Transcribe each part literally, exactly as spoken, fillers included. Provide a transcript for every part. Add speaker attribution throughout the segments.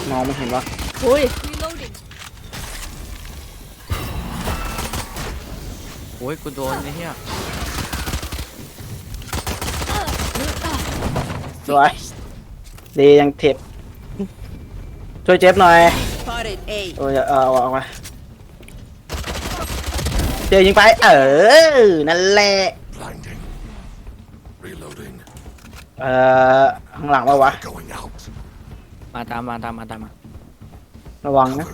Speaker 1: มองไม่เห็นวะ
Speaker 2: อุ้ย
Speaker 3: โอ้ยกูโดนไอ้เหี้ย
Speaker 1: สวยดียังเทปช่วยเจ็บหน่อยโอ้ยเอาเอาเอามาเจยิงไปเออนั่นแหละเอ่อข้างหลังวะวะ
Speaker 3: มาตามมาตามมาตามมา
Speaker 1: ระวังนะ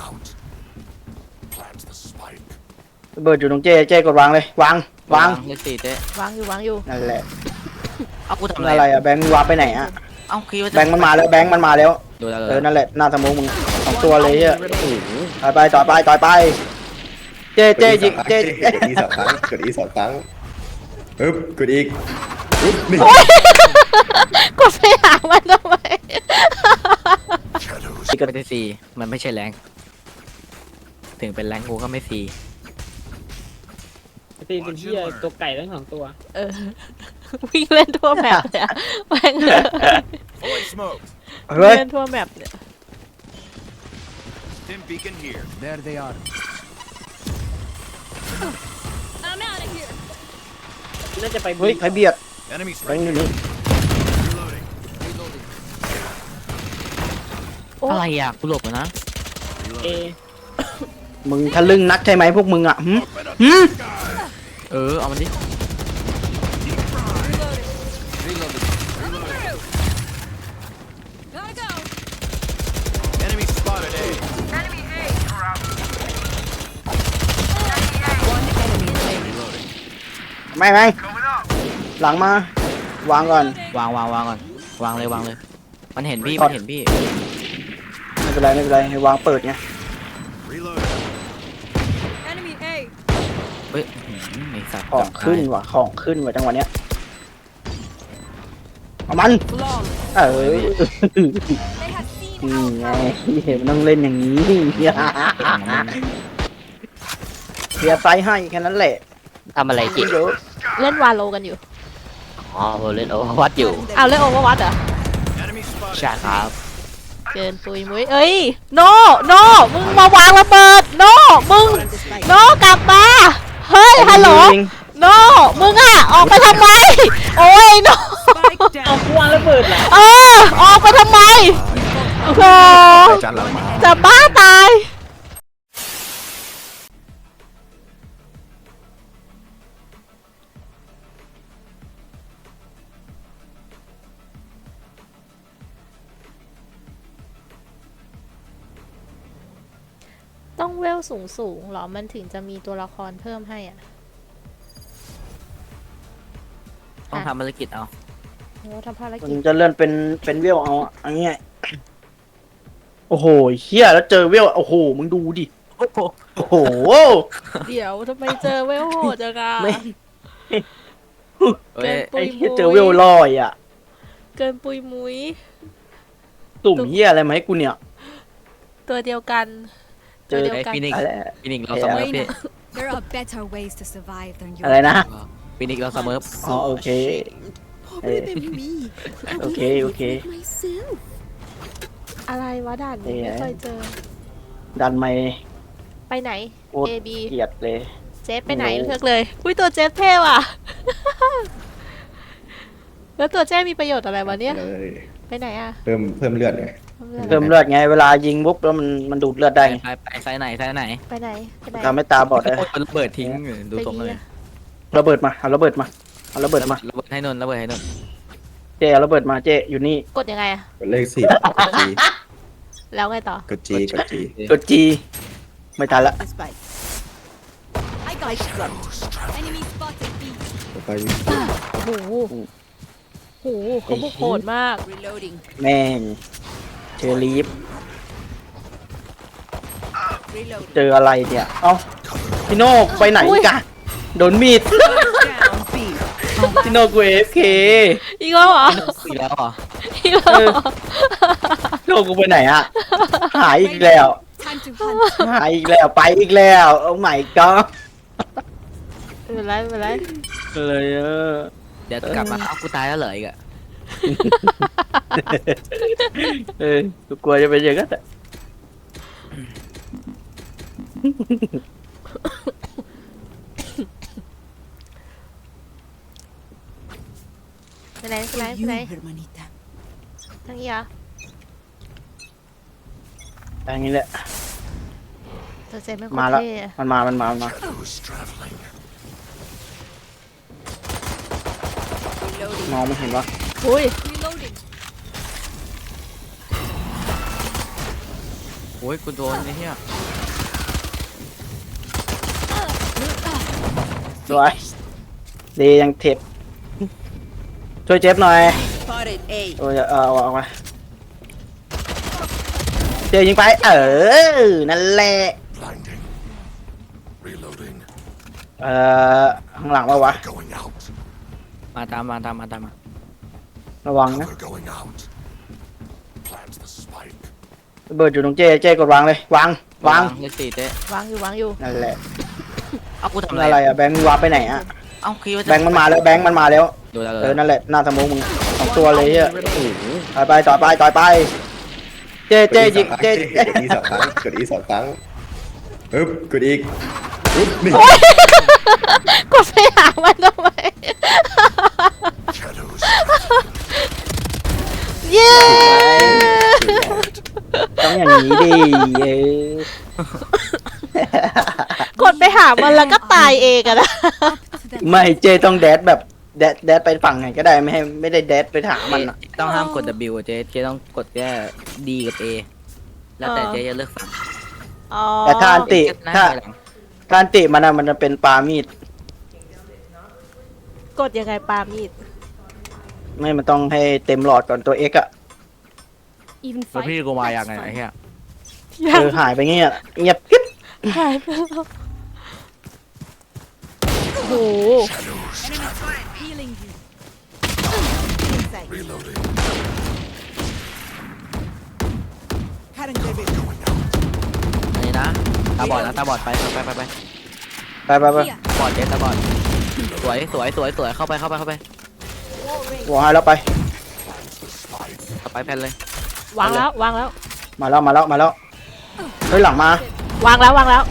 Speaker 1: ระเบิดอยู่ตรงเจเจกดวางเลยวางวาง
Speaker 3: เลขสี่เจ๊
Speaker 2: วางอยู่วางอยู่
Speaker 1: นั่นแหละ
Speaker 3: เอากูทำ
Speaker 1: อะไร
Speaker 3: อะไร
Speaker 1: อะแบงค์วางไปไหนอะ
Speaker 3: เอ้าคิดว่าจะ
Speaker 1: แบงค์มันมาแล้วแบงค์มันมาแล้ว
Speaker 3: ดูแล้ว
Speaker 1: เออนั่นแหละหน้าสมองมึงสองตัวเลยอะต่อยไปต่อยไปต่อยไปเจเจยิงเจ
Speaker 4: กดอีสองครั้งกดอีสองครั้งอึ๊บกดอีกอึ๊บนี่
Speaker 2: กดไปหามันทำไม
Speaker 3: ไม่ได้สี่มันไม่ใช่แรงถึงเป็นแรงกูก็ไม่สี่
Speaker 5: ตีเป็นที่ตัวไก่ทั้งสองตัว
Speaker 2: เออวิ่งเล่นทั่วแมปเลยอะแม่งเลย
Speaker 1: เฮ้ย
Speaker 2: เล่นทั่วแมปเนี่ย
Speaker 6: Stim beacon here.
Speaker 7: There they are.
Speaker 8: I'm out of here.
Speaker 5: น่าจะไป
Speaker 1: เฮ้ยใครเบียด
Speaker 6: Enemy
Speaker 1: แบง
Speaker 6: spotted.
Speaker 1: ค์อยู่นี่
Speaker 6: Reloading.
Speaker 3: อะไรอ่ะกูหลบแล้วนะ
Speaker 5: เอ
Speaker 1: มึงทะลึ่งนักใช่ไหมพวกมึงอ่ะหืมหืม
Speaker 3: เออเอามันดิ
Speaker 8: Gotta go.
Speaker 6: Enemy spotted A.
Speaker 8: One enemy remaining.
Speaker 6: Reloading.
Speaker 1: ไม่ไม่หลังมาวางก่อน
Speaker 3: วางวางวางก่อนวางเลยวางเลย มันเห็นพี่
Speaker 1: ถอ
Speaker 3: มั
Speaker 1: ด
Speaker 3: นเห็นพี่
Speaker 1: ไม่เป็นไรไม่เป็นไรให้วางเปิดไง
Speaker 6: Reloading.
Speaker 8: Enemy A.
Speaker 3: เฮ้ยอื้อหือไอ้สัตว์
Speaker 1: ของขึ้นว่ะของขึ้นว่ะจังหวะเนี้ยเอามัน
Speaker 8: Flawless.
Speaker 1: เอ้ย
Speaker 8: They have seen
Speaker 1: นี่
Speaker 8: our
Speaker 1: ไง
Speaker 8: power.
Speaker 1: เห็นมันต้องเล่นอย่างนี้เพียร์ไซส์ให้แค่นั้นแหละ
Speaker 3: ทำอะไรจิ
Speaker 1: เยอะ
Speaker 2: เล่นวาโลกันอยู่
Speaker 3: อ๋อผมเล่นโอเวอร์วัดอยู่
Speaker 2: เอาเล่นโอเวอร์วัตเหรอ
Speaker 6: Enemy spotted.
Speaker 3: ใช่ครับ
Speaker 2: เกินปุยมุ้ยเอ้ยโนโนมึงมาวางระเบิดโนมึงโนกลับมาเฮ้ยฮัลโหล
Speaker 1: จริง
Speaker 2: โนมึงอะออกไปทำไมโอ้ยโน
Speaker 8: Spike
Speaker 5: เอา
Speaker 8: down.
Speaker 5: ควางระเบิดเหรอ
Speaker 2: เออออกไปทำไมโอ้โห
Speaker 4: จานหลังมา
Speaker 2: จะบ้าตายต้องเวลสูงสูงๆหรอมันถึงจะมีตัวละครเพิ่มให้อ่ะ
Speaker 3: ต้องทำภารกิจเอา
Speaker 2: โอ้ทำภาร
Speaker 1: มั
Speaker 2: กิ
Speaker 1: น
Speaker 2: จ
Speaker 1: จะเลื่อนเป็นเป็นเวลเอาอะอันนี้ไงโอ้โหเฮียแล้วเจอเวลโอ้โหมึงดูดิ
Speaker 3: โอ้โห
Speaker 1: โอ้โห
Speaker 2: เดี๋ยวทำไมเจอเวลโหดจังอะ
Speaker 1: ไม่
Speaker 3: เอ้ย
Speaker 1: ไอ้เฮียเจอเวลลอยอ่ะ
Speaker 2: เกินปุยมุ้ย
Speaker 1: ตุ่มเฮียอะไรมาให้กูเนี่ย
Speaker 2: ตัวเดียวกัน
Speaker 1: เจ
Speaker 2: ตัว
Speaker 1: อ
Speaker 2: เดียว
Speaker 3: ไอ้
Speaker 2: กัน
Speaker 3: ฟินิก
Speaker 1: อะไร
Speaker 3: ฟินิกเราเสมอพี่
Speaker 8: There are better ways to survive than your
Speaker 1: อะไรนะ
Speaker 3: ฟินิกเราเสมอ
Speaker 1: อ๋อโอเคเออโอเคโอเค
Speaker 2: อะไรวะด่านนี้
Speaker 1: เอ๊ะ
Speaker 2: ไม่เคยเจอ
Speaker 1: ดันไม่
Speaker 2: ไปไหน
Speaker 1: โคตร
Speaker 2: A B
Speaker 1: เกลียดเลย
Speaker 2: เจฟไปไหน
Speaker 1: โอ้
Speaker 2: เลือกเลย อุ้ยตัวเจฟเท่ว่ะ แล้วตัวเจฟมีประโยชน์อะไรวะเนี่ย
Speaker 4: เลย
Speaker 2: ไปไหนอะ
Speaker 4: เพิ่มเพิ่มเลือดไง
Speaker 1: เพิ่มเลือดไงเวลายิงปุ๊บแล้วมันมันดูดเลือดได้ไง
Speaker 3: ไปไปไซส์ไหนไซส์ไหน
Speaker 2: ไปไหนไปไหน
Speaker 1: ทำให้ตาบอดได้
Speaker 3: โอ้ยมันระเบิดทิ้งดูตรงเลย
Speaker 1: ระเบิดมาเอาระเบิดมาเอาระเบิดมา
Speaker 3: ระเบิดให้นนท์ระเบิดให้นนท์
Speaker 1: เจเอาระเบิดมาเจอยู่นี่
Speaker 2: กดยังไงอะ
Speaker 4: กดเลขสี่กดจี
Speaker 2: แล้วไงต่อก
Speaker 4: ดจีกดจี
Speaker 1: กดจีไม่ทันละ
Speaker 8: The spike. I got shot. Enemy spotted B.
Speaker 4: ต่อไป
Speaker 2: โอ้โหโอ้โหเขาบุกโหดมาก
Speaker 8: Reloading.
Speaker 1: แม่งเชอรีฟ
Speaker 8: Reloading.
Speaker 1: เจออะไรเนี่ยเอ้าพี่โน่ไปไหน
Speaker 2: อุ้ย
Speaker 1: กันโดนมีด
Speaker 8: Down B.
Speaker 1: พี่โน่กูเอฟเค
Speaker 2: อีกแล้วเหรอ
Speaker 3: อีกแล้วเหรอ
Speaker 2: อีกแล้วเหรอ
Speaker 1: โน่กูไปไหนอะหายอีกแล้ว
Speaker 8: Time to hunt.
Speaker 1: หายอีกแล้วไปอีกแล้วโอ้ my god
Speaker 2: ไม่เป็นไรไม่เป็นไร
Speaker 1: เลยเออ
Speaker 3: เดี๋ยวกลับมาเอ้ากูตายแล้วเหรออีกอะ
Speaker 1: เออกูกลัวจะเป็นอย่างนั้นอะ
Speaker 2: ไปไหนไปไหนไปไหนทางนี้เหรอ
Speaker 1: อย่างนี้แหละ
Speaker 2: เธอเซ็นไม่โค
Speaker 1: มา
Speaker 2: ตร
Speaker 1: แล้ว
Speaker 2: เท่อะ
Speaker 1: มันมามันมามันมา มองไม่เห็นวะ
Speaker 2: อุ้ย
Speaker 8: Reloading.
Speaker 3: โอ้ยกูโดนไอ้เหี้ย
Speaker 1: สวยดียังเทปช่วยเจ็บหน่อย
Speaker 8: Spotted A.
Speaker 1: โอ้ยเออเอาออกมาเจยิงไปเออนั่นแหละ
Speaker 6: Blinding. Reloading.
Speaker 1: เอ่อข้างหลังวะวะ
Speaker 6: Going out.
Speaker 3: มาตามมาตามมาตามมา
Speaker 1: ระวังนะ
Speaker 6: Cover going out. Plant the spike.
Speaker 1: ระเบิดอยู่ตรงเจเจกดวางเลยวางวาง
Speaker 3: เลขสี่เจ๊
Speaker 2: วางอยู่วางอยู่
Speaker 1: นั่นแหละ
Speaker 3: เอากูทำอะไร
Speaker 1: อะไรอะแบงค์มึงวางไปไหนอะ
Speaker 3: เอ้าคิดว่าจะ
Speaker 1: แบงค์มันมาแล้วแบงค์มันมาแล้ว
Speaker 3: ดูแล้ว
Speaker 1: เอ
Speaker 3: เล
Speaker 1: อย นั่นแหละหน้าสมองมึงสองตัวเลยเฮีย
Speaker 3: โอ้โห
Speaker 1: ต่อยไปต่อยไปต่อยไปเจเจยิงเจ
Speaker 4: กดอีสองครั้งกดอีสองครั้งอึ๊บกดอีกอึ๊บนี่
Speaker 2: กดไปหามันทำไม
Speaker 6: Shadows.
Speaker 2: เย้
Speaker 1: ต้องอย่างนี้ดิเออก
Speaker 2: ดไปหามันแล้วก็ตายเองอะนะ
Speaker 1: ไม่เจต้องแดดแบบแดดแดดไปฝั่งไหนก็ได้ไม่ให้ไม่ได้แดดไปหามันอะ
Speaker 3: ต้องห้ามกด W อะเจ๊เจ๊ต้องกดแค่ D กับ A แล้วแต่เจ๊จะเลือกฝั่ง
Speaker 2: อ๋อ
Speaker 1: แต่ถ้าอันติ
Speaker 3: หน้
Speaker 1: ถ้า
Speaker 3: ไปหลัง
Speaker 1: ถ้าอันติมันอะมันจะเป็นปามีด
Speaker 2: กดยังไงปามีด
Speaker 1: ไม่มันต้องให้เต็มหลอดก่อนตัว X อะ
Speaker 8: Even
Speaker 3: แล้ว
Speaker 8: fight.
Speaker 3: พี่กูมาอย่างไงไอ้เหี้ย
Speaker 2: ยัง
Speaker 1: เออหายไปเงี้ยเงียบกิ๊บ
Speaker 2: หายไปแล้วโอ้โห
Speaker 8: Healing you. Inside.
Speaker 6: Reloading.
Speaker 3: อันนี้นะตาบอดนะตาบอดไปไปไปไป
Speaker 1: ไปไปไป
Speaker 8: Here.
Speaker 3: บอดเจ๊ตาบอดสวยสวยสวยสวยเข้าไปเข้าไปเข้าไป
Speaker 1: วางให้แล้วไป
Speaker 3: เข้าไปแผ่นเลย
Speaker 2: วางแล้ววางแล้ว
Speaker 1: มาแล้วมาแล้วมาแล้วเฮ้ยหลังมาว
Speaker 2: างแล้ววางแล้ว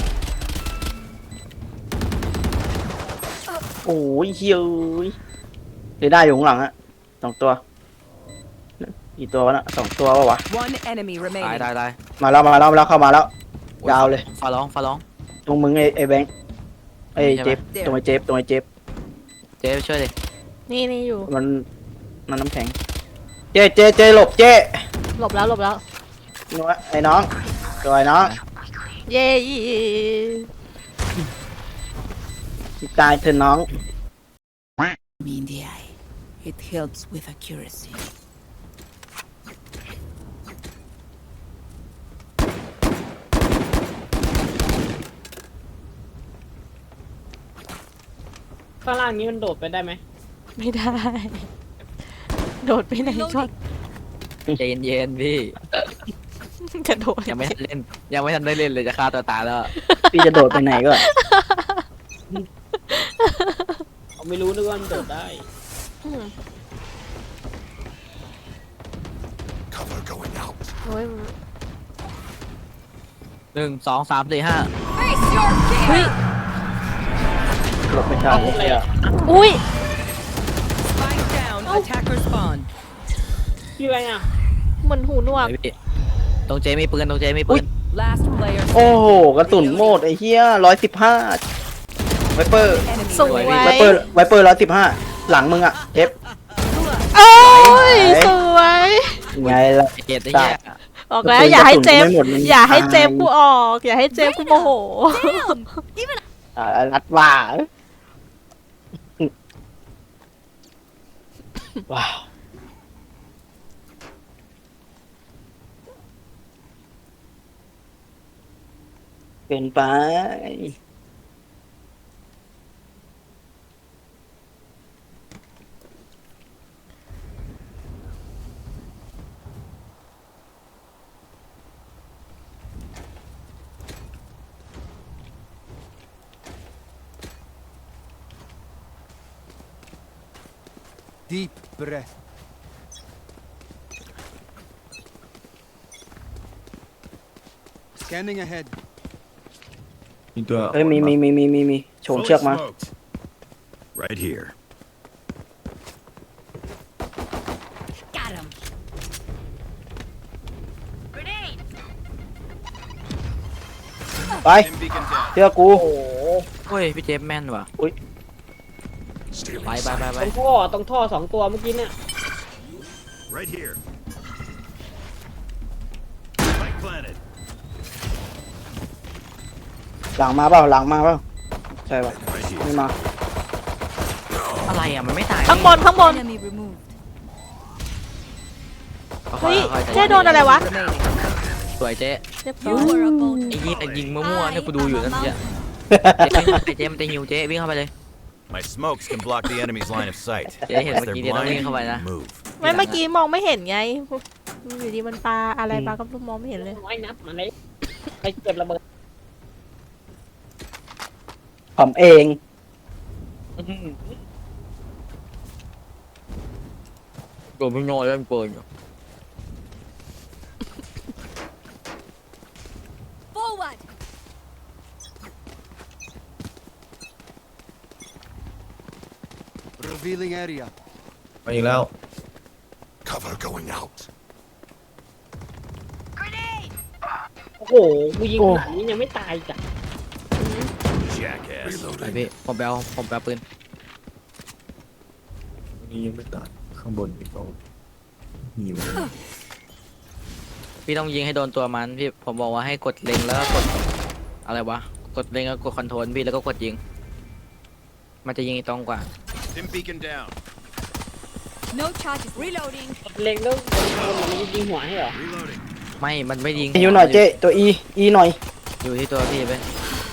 Speaker 1: โอ้ยเฮ้ยเรด้าอยู่ข้างหลังอะสองตัวกี่ตัววะน่ะสองตัววะวะ
Speaker 7: One enemy
Speaker 3: ตาย
Speaker 7: remaining.
Speaker 3: ตายตาย
Speaker 1: มาแล้วมาแล้วมาแล้วเข้ามาแล้ว ยาวเลย
Speaker 3: ฟ้าร้องฟ้าร้อง
Speaker 1: ตรงมึงไอ้ไอ้แบงค์ไอ้
Speaker 3: ใช่ไหม
Speaker 1: เจ็บตรงไอ้เจ็บตรงไอ้เจ็บ
Speaker 3: เจ๊ไปช่วยดิ
Speaker 2: นี่นี่อยู่
Speaker 1: มันมันน้ำแข็งเจเจเจหลบเจ
Speaker 2: หลบแล้วหลบแล้ว
Speaker 1: นัวไอ้น้องตัวไอ้น้อง
Speaker 2: เย้
Speaker 1: ตายเธอะน้อง
Speaker 7: Me in the eye. It helps with accuracy.
Speaker 5: ข้างล่างนี้มันโดดไปได้ไหม
Speaker 2: ไม่ได้ โดดไปไหนช็อต
Speaker 3: ใจเย็นๆพี่
Speaker 2: กระโดด
Speaker 3: ยังไม่ทันเล่นยังไม่ทันได้เล่นเลยจะฆ่าตัวตายแล้ว
Speaker 1: พี่จะโดดไปไหนก่อน
Speaker 5: เขาไม่รู้นึกว่ามันโดดได้
Speaker 2: อืม
Speaker 6: Cover going out.
Speaker 2: โอ้ย
Speaker 3: หนึ่งสองสามสี่ห้า
Speaker 8: Face your
Speaker 2: เฮ้ย
Speaker 8: fear.
Speaker 1: หลบไม่ทันเลยอะ
Speaker 2: อุ้ย
Speaker 7: Spike down. Attacker spawn.
Speaker 5: พี่อะไรอ่ะ
Speaker 2: เหมือนหูหนวก
Speaker 3: ไอ้พี่ตรงเจมีปืนตรงเจมีปืน
Speaker 7: Last player.
Speaker 1: โอ้โหกระสุนโหมดไอ้เหี้ยร้อยสิบห้าไวเปอร์
Speaker 7: Enemy
Speaker 2: สวย
Speaker 1: ไวเปอร์ไวเปอร์ร้อยสิบห้าหลังมึงอะเจ็บ
Speaker 2: โอ้ย
Speaker 1: ไหน
Speaker 2: สวย
Speaker 1: ไงล่ะ
Speaker 3: เจ็ดไอ้เหี้ย
Speaker 2: บอกแล้วอย่าให้เจม
Speaker 1: กระสุนกูไม่หมดมัน
Speaker 2: อย่าให้เจม
Speaker 1: ตาย
Speaker 2: กูออก อย่าให้เจมกูโมโห
Speaker 1: อ่ารัดว่าว้าวเกินไป
Speaker 9: Deep breath. Scanning ahead.
Speaker 4: มีตัว
Speaker 1: เอ้ยมีมีมีมีมีมีโฉมเชือกมา
Speaker 6: Right here.
Speaker 8: Got him. Grenade.
Speaker 1: ไปเชือกกู
Speaker 5: โอ้โห
Speaker 3: เฮ้ยพี่เจฟแม่นว่ะ
Speaker 6: Stealing
Speaker 3: ไปไปไป
Speaker 6: sight.
Speaker 3: ไป
Speaker 5: ตรงท่อตรงท่อสองตัวเมื่อกี้เนี่ย
Speaker 6: Right here. Spike planted.
Speaker 1: หลังมาเปล่าหลังมาเปล่าใช่ป่ะ
Speaker 6: Right here.
Speaker 1: ไม่มา
Speaker 3: อะไรอ่ะมันไม่ตาย
Speaker 2: ข้างบนข้างบน
Speaker 8: Enemy removed.
Speaker 2: เฮ้ยเจ๊โดนอะไรวะ
Speaker 3: สวยเจ๊
Speaker 2: เรียบร้
Speaker 8: You
Speaker 2: อย
Speaker 8: were a bold
Speaker 3: ไอ้ยิงไอ้ยิงมั่วๆเนี่ยกูดูอยู่นั่นเจ๊ เจ๊วิ่งเข้าไปเจ๊มันจะหิวเจ๊วิ่งเข้าไปเลย
Speaker 6: My smokes can block the enemy's line of sight.
Speaker 3: เจ๊เห็นเมื่อกี้เนี่ยต้องวิ่งเข้าไปนะ
Speaker 6: Move.
Speaker 2: ไม่เมื่อกี้มองไม่เห็นไงอยู่ดีมันปลาอะไรปลาก็มองไม่เห็นเลย
Speaker 5: น้อยนับมาเลยไปเก็บระเบิด
Speaker 1: ผมเอง
Speaker 3: โดนพี่โน่เล่นเปินอยู่
Speaker 8: forward.
Speaker 9: Revealing area.
Speaker 4: มาอีกแล้ว
Speaker 6: Cover going out.
Speaker 8: Grenade.
Speaker 5: โอ้โหกูยิงขนาดนี้ยังไม่ตายจ้ะ
Speaker 6: Jackass.
Speaker 3: ไปพี่ผมไปเอาผมไปเอาปืน
Speaker 4: นี่ยังไม่ตัดข้างบนอีกตัวหิว
Speaker 3: พี่ต้องยิงให้โดนตัวมันพี่ผมบอกว่าให้กดเล็งแล้วก็กดอะไรวะกดเล็งแล้วกดคอนโทรลพี่แล้วก็กดยิง มันจะยิงตรงกว่า
Speaker 6: Stim beacon down.
Speaker 8: No charges. Reloading.
Speaker 5: เล็งแล้วมันยิงหัวให้เหรอ
Speaker 6: Reloading.
Speaker 3: ไม่มันไม่ยิง
Speaker 1: หิวหน่อยเจ๊ตัวอีอีหน่อย
Speaker 3: อยู่ที่ตัวพี่ไป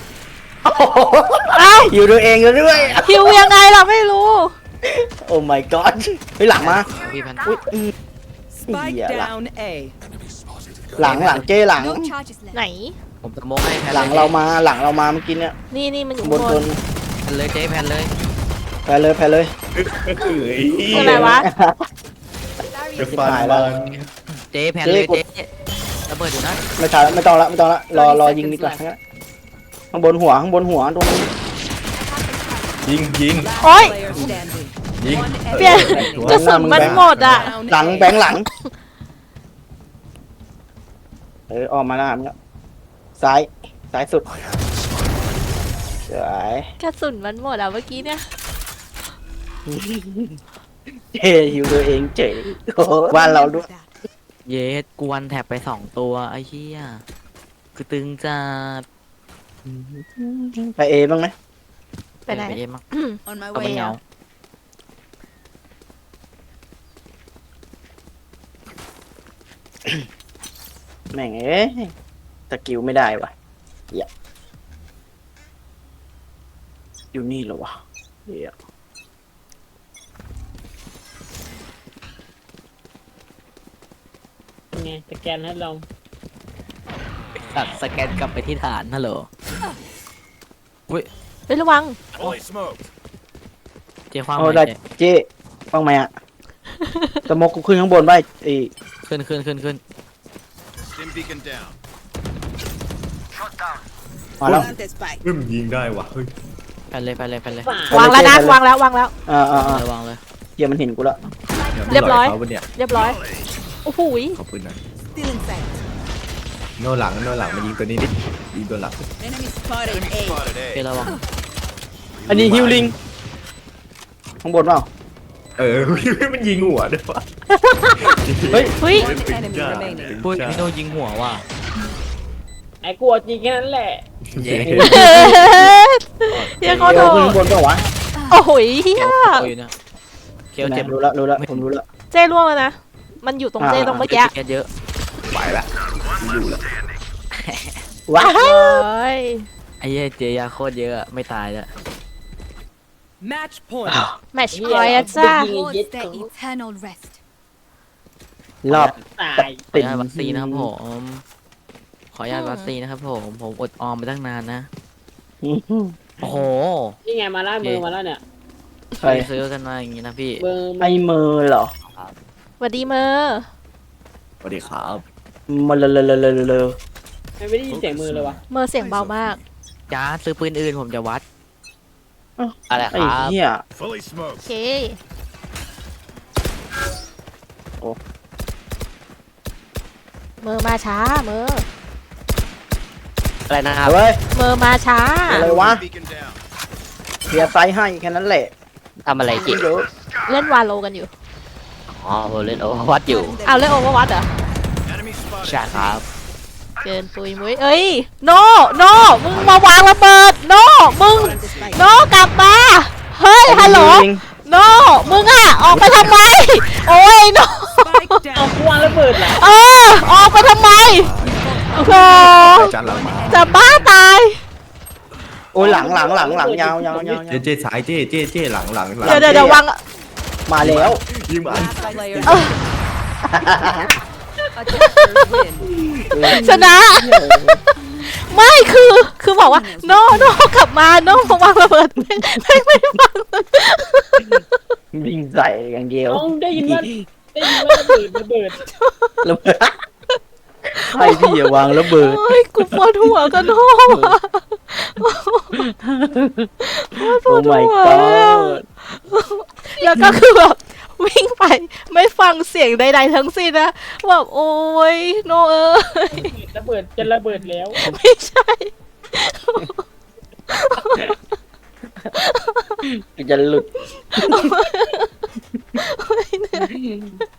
Speaker 2: เอ้า
Speaker 1: อยู่ตัวเองอยู่ด้วย
Speaker 2: หิวยังไงล่ะไม่รู้
Speaker 1: โอ้ my god เฮ้ยหลังมา
Speaker 3: พี่พัน
Speaker 1: อุ้ยอืม
Speaker 7: Spike
Speaker 1: Yeah, lah.
Speaker 7: down A.
Speaker 6: Enemy spotted.
Speaker 1: หลังหลังเจ๊หลัง
Speaker 8: No charges left.
Speaker 2: ไหน
Speaker 3: ผมสโมกให้แพน
Speaker 1: หลังเรามาหลังเรามาเมื่อกี้เนี่ย
Speaker 2: นี่นี่มันอยู่
Speaker 1: บน
Speaker 2: บบ น
Speaker 1: น
Speaker 3: แพนเลยเจ๊แพนเลย
Speaker 1: แพ้เลยแพ้เลย
Speaker 2: คืออะไรวะ
Speaker 4: จะฟาดบ้าน
Speaker 3: เจ๊แพนเลย
Speaker 1: เจ๊
Speaker 3: เจ๊ระเบิดอยู่นะ
Speaker 1: ไม่ทันแล้วไม่ต้องละไม่ต้องละรอรอยิงดีกว่างั้นข้างบนหัวข้างบนหัวตรงนี้
Speaker 4: ยิงยิง
Speaker 2: โอ๊ย
Speaker 7: Player standing.
Speaker 4: ยิง
Speaker 7: One
Speaker 2: เปลี่ยน
Speaker 7: enemy
Speaker 2: กระสุนมันหมดอ่ะ
Speaker 7: Down
Speaker 1: หลัง
Speaker 7: A.
Speaker 1: แบงค์หลังเออออกมาแล้วครับซ้ายซ้ายสุด
Speaker 6: I have the spike.
Speaker 1: สวย
Speaker 2: กระสุนมันหมดอ่ะเมื่อกี้เนี่ย
Speaker 1: เจ๊หิวตัวเองเจ๋งโอ้โหบ้านเราด้วย
Speaker 3: เยสกวนแท็บไปสองตัวไอ้เหี้ยคือตึงจัด
Speaker 1: ไปเอบ้างไหม
Speaker 2: ไปไหน
Speaker 3: ไปเอ็มมั้ง
Speaker 7: On my
Speaker 3: เอาไป
Speaker 7: way
Speaker 3: เหงา
Speaker 7: out.
Speaker 1: แม่งเอ้ยสกิลไม่ได้วะเหี้ยอยู่นี่เหรอวะเหี้ย
Speaker 5: ไงสแกนให้เรา
Speaker 3: ตัดสแกนกลับไปที่ฐานฮัลโหล
Speaker 2: เฮ้ยระวัง
Speaker 6: Fully smoked.
Speaker 3: เจ๊คว้าง
Speaker 1: เอา
Speaker 3: ไป
Speaker 1: ได้
Speaker 3: เจ๊
Speaker 1: เจ๊บ้างไหมอะสโมกกูขึ้นข้างบนไปไอ้
Speaker 3: ขึ้นขึ้นขึ้นขึ้น
Speaker 6: Stim beacon down.
Speaker 1: มาแล้ว
Speaker 7: Plant the spike.
Speaker 4: พึ่มยิงได้วะเฮ้ย
Speaker 3: แพนเลยแพนเลยแพนเลย
Speaker 5: ฝ่าว
Speaker 2: างแล้วนะวางแล้ววางแล้ว
Speaker 1: อ่าอ่าอ่า
Speaker 3: ระวังเลย
Speaker 1: เฮียมันเห็นกูแล้ว
Speaker 2: เรียบร้อย
Speaker 4: เขาปะเนี่ย
Speaker 2: เรียบร้อย โอ้โหย
Speaker 4: ขอบคุณนะ
Speaker 7: Still in sight.
Speaker 4: โน่หลังโน่หลังมายิงตัวนี้ดิยิงตัวหลัง
Speaker 7: Enemy spotted
Speaker 6: Enemy
Speaker 7: A.
Speaker 6: spotted
Speaker 3: เจ๊
Speaker 6: A.
Speaker 3: ระวัง
Speaker 1: อันนี้ฮิวลิงข้างบนเปล่า
Speaker 4: เออ มันยิงหัวด้วยวะ
Speaker 1: เฮ้ย
Speaker 2: เฮ้ย
Speaker 7: One enemy remaining.
Speaker 3: พูดพี่โนยิงหัวว่ะ
Speaker 5: ไอ้กลัวจริงแค่นั้นแหละ
Speaker 3: เย้
Speaker 2: เฮียเขาโด
Speaker 1: เดี๋ยวขึ้น
Speaker 2: น
Speaker 1: ข้างบนเปล่าวะ
Speaker 2: โอ้โหยเฮีย
Speaker 3: โอ้ยนะเคียวเจ็บ
Speaker 1: รู้แล้วรู้แล้วผมรู้แล้ว
Speaker 2: เจ้ล่วงแล้วนะ มันอยู่ตรงเจ้ตรงเมื่อกี้
Speaker 3: เจ็บเยอะ
Speaker 4: ไปละอยู่ละ
Speaker 1: ว้า
Speaker 2: โอ้ย
Speaker 3: ไอ้เหี้ยเจยาโคตรเยอะอะไม่ตายแล้ว
Speaker 7: Match point.
Speaker 2: แมตช์พอยต์อะจ้า
Speaker 8: Towards their eternal rest.
Speaker 1: รอบ
Speaker 5: ตาย
Speaker 3: ขออนุญาตวัคซีนนะครับผมขออนุญาตวัคซีนนะครับผมผมอดออมไปตั้งนานนะโอ้โห
Speaker 5: นี่ไงมาล่ามือมาแล้วเนี่ย
Speaker 1: ใคร
Speaker 3: ไปซื้อกันมาอย่างงี้นะพี่
Speaker 5: มือ
Speaker 1: ไอ้มือเหรอ
Speaker 2: สวัสดีเมอร์
Speaker 4: สวัสดีครับ
Speaker 1: มาเลยเลยเลยเลยเลย
Speaker 5: ไม่ได้ยินเสียงมือเลยวะ
Speaker 2: เมอร์เสียงเบามาก
Speaker 3: จ้าซื้อปืนอื่นผมจะวัด
Speaker 9: อะไรค
Speaker 1: ไอ้
Speaker 9: รับ
Speaker 1: เหี้ย
Speaker 6: Fully
Speaker 2: โอ
Speaker 6: smoked.
Speaker 2: เค
Speaker 1: โอ้
Speaker 2: เมอร์มาช้า เมอร์
Speaker 9: อะไรนะครับ
Speaker 1: เฮ้ย
Speaker 2: เมอร์มาช้า
Speaker 1: อะไรวะ
Speaker 6: Stim beacon down.
Speaker 1: เคลียร์ไซส์ให้แค่นั้นแหละ
Speaker 9: ทำอะไรจิ
Speaker 1: เยอะ
Speaker 2: เล่นวาโลกันอยู่
Speaker 9: อ๋อผมเล่นโอเวอร์วัดอยู่
Speaker 2: เอาเล่นโอเวอร์วัตเหรอ
Speaker 6: Enemy spotted.
Speaker 9: ใช่ครับ
Speaker 2: เกินปุยมุ้ยเอ้ย โน โน มึงมาวางระเบิด โน มึง โน กลับมา เฮ้ย ฮัลโหล
Speaker 1: จริง
Speaker 2: โน มึงอะออกไปทำไม โอ้ย โน
Speaker 5: เอากูวางระเบิดเหรอ
Speaker 2: เออ ออกไปทำไม โอ้โห
Speaker 4: จานหลังมา
Speaker 2: จะบ้าตาย
Speaker 1: โอ้ยหลังหลังหลังหลังยาวยาวยาว
Speaker 4: เจ๊เจ๊สายเจ๊เจ๊เจ๊หลังหลังหลัง
Speaker 2: เดี๋ยวเดี๋ยวเดี๋ยววาง
Speaker 1: มาแล้ว
Speaker 4: ยิงมัน
Speaker 2: ชนะ ไม่คือ คือบอกว่า โน โน กลับมา โนมาวางระเบิดไม่ไม่ไม่ฟัง
Speaker 1: วิ่งใส่อย่างเดียว
Speaker 5: เอาได้ยินว่าได้ยินว่าระเบิดระเบิด
Speaker 1: ระเบิดใครพี่อย่าวางระเบิด
Speaker 2: โอ้ยกูปวดหัวกันโนว่ะโอ้ยป
Speaker 1: โอ้
Speaker 2: วดหั
Speaker 1: my
Speaker 2: ว
Speaker 1: god
Speaker 2: แล้วก็คือแบบวิ่งไปไม่ฟังเสียงใดๆทั้งสิ้นนะแบบโอ้ยโนเอ้ย
Speaker 5: ระเบิดจะระเบิดแล้ว
Speaker 2: ไม่ใช่
Speaker 1: จะหลุด
Speaker 2: โอ้ยเหนื่อย